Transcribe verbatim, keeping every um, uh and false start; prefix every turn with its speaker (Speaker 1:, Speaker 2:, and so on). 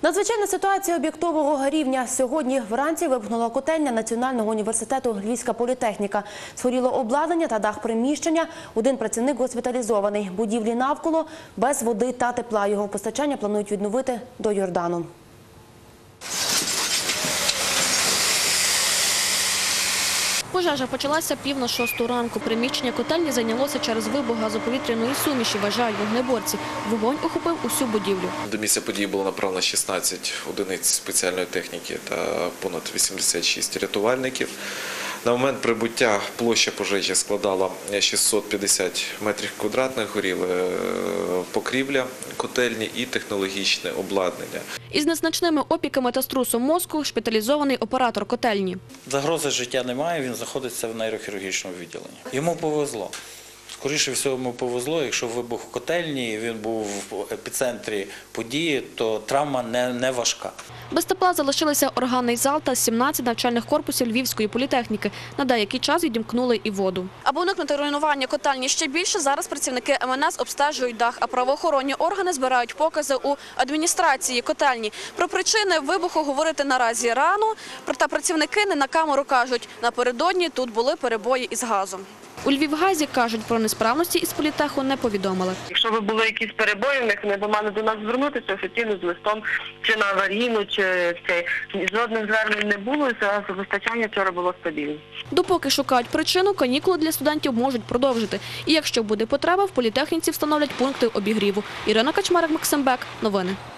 Speaker 1: Надзвичайна ситуація об'єктового рівня. Сьогодні вранці вибухнула котельня Національного університету Львівська політехніка. Згоріло обладнання та дах приміщення. Один працівник госпіталізований. Будівлі навколо без води та тепла. Його постачання планують відновити до Йордану.
Speaker 2: Пожежа почалася пів на шосту ранку. Приміщення котельні зайнялося через вибух газоповітряної суміші, вважають вогнеборці. Вогонь охопив усю будівлю.
Speaker 3: До місця події було направлено шістнадцять одиниць спеціальної техніки та понад вісімдесят шість рятувальників. На момент прибуття площа пожежі складала шістсот п'ятдесят метрів квадратних, горіли покрівля котельні і технологічне обладнання.
Speaker 2: Із незначними опіками та струсом мозку шпиталізований оператор котельні.
Speaker 4: Загрози життя немає, він знаходиться в нейрохірургічному відділенні. Йому повезло. Скоріше всього, йому повезло, якщо вибух в котельні, він був в епіцентрі події, то травма не, не важка.
Speaker 2: Без тепла залишилися органний зал та сімнадцять навчальних корпусів Львівської політехніки. На деякий час відімкнули і воду. Аби уникнути руйнування котельні ще більше, зараз працівники ем ен ес обстежують дах, а правоохоронні органи збирають покази у адміністрації котельні. Про причини вибуху говорити наразі рано, проте працівники не на камеру кажуть, напередодні тут були перебої із газом. У Львівгазі кажуть, про несправності із політеху не повідомили.
Speaker 5: Якщо би були якісь перебої, в них вони б мали до нас звернутися офіційно з листом чи на аварійну, чи це. Жодних звернень не було, і газопостачання вчора було стабільне.
Speaker 2: Допоки шукають причину, канікули для студентів можуть продовжити. І якщо буде потреба, в політехніці встановлять пункти обігріву. Ірина Качмарик, Максим Бек. Новини.